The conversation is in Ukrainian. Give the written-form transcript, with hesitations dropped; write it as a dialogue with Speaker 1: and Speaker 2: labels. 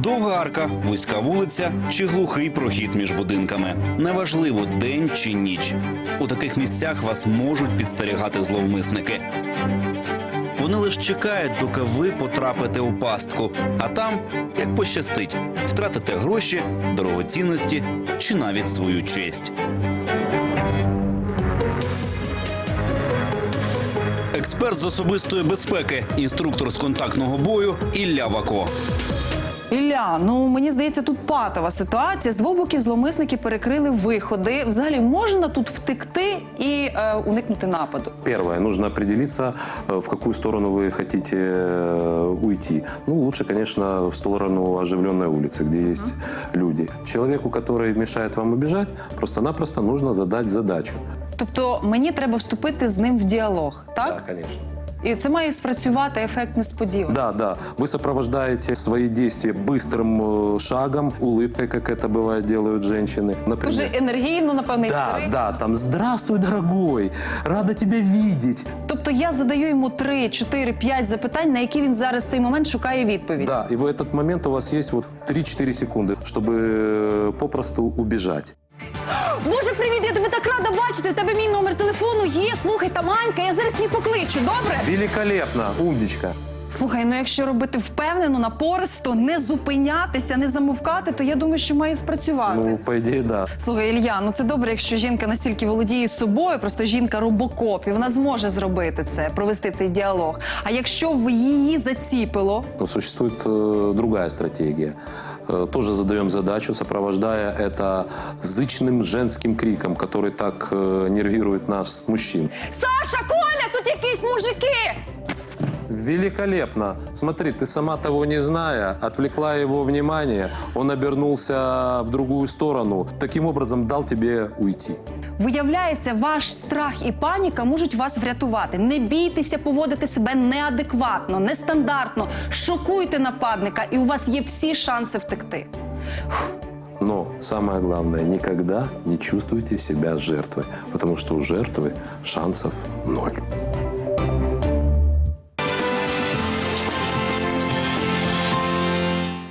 Speaker 1: Довга арка, вузька вулиця чи глухий прохід між будинками. Неважливо, день чи ніч. У таких місцях вас можуть підстерігати зловмисники. Вони лише чекають, доки ви потрапите у пастку. А там, як пощастить, втратите гроші, дорогоцінності чи навіть свою честь. Експерт з особистої безпеки, інструктор з контактного бою Ілля Вако.
Speaker 2: Ілля, ну мені здається, тут патова ситуація. З двох боків зловмисники перекрили виходи. Взагалі можна тут втекти і уникнути нападу?
Speaker 3: Первое, нужно определиться, в какую сторону вы хотите уйти. Ну, лучше, конечно, в сторону оживленной улицы, где есть люди. Человеку, который мешает вам убежать, просто-напросто нужно задать задачу.
Speaker 2: Тобто мені треба вступити з ним в діалог, так?
Speaker 3: Да, конечно.
Speaker 2: І це має спрацювати ефект несподівано.
Speaker 3: Да, да. Вы сопровождаете свои действия быстрым шагом, улыбкой, как это бывает делают женщины. Например,
Speaker 2: Дуже енергійно, напевно, і
Speaker 3: да,
Speaker 2: старий.
Speaker 3: да, там «Здравствуй, дорогой! Рада тебя видеть!»
Speaker 2: Тобто я задаю йому 3, 4, 5 запитань, на які він зараз в цей момент шукає відповідь.
Speaker 3: Да, и в этот момент у вас есть вот 3-4 секунды, чтобы попросту убежать.
Speaker 2: Боже, привіт, я тебе так рада бачити. У тебе мій номер телефону є. Слухай, там Анька, я зараз її покличу, добре?
Speaker 3: Великолепно, умничка.
Speaker 2: Слухай, ну якщо робити впевнено, напористо, не зупинятися, не замовкати, то я думаю, що має спрацювати.
Speaker 3: Ну, по идее, да.
Speaker 2: Слухай, Ілля, ну це добре, якщо жінка настільки володіє собою, просто жінка робокоп, і вона зможе зробити це, провести цей діалог. А якщо в її заціпило?
Speaker 3: Но существует другая стратегия. Тоже задаем задачу, сопровождая это зычным женским криком, который так нервирует нас, мужчин.
Speaker 2: Саша, Коля, тут якісь мужики!
Speaker 3: Великолепно. Смотри, ты сама того не зная, отвлекла его внимание, он обернулся в другую сторону, таким образом дал тебе уйти.
Speaker 2: Виявляється, ваш страх і паніка можуть вас врятувати. Не бійтеся поводити себе неадекватно, нестандартно. Шокуйте нападника, і у вас є всі шанси втекти.
Speaker 3: Но самое главное, никогда не чувствуйте себя жертвой, потому что у жертвы шансов 0.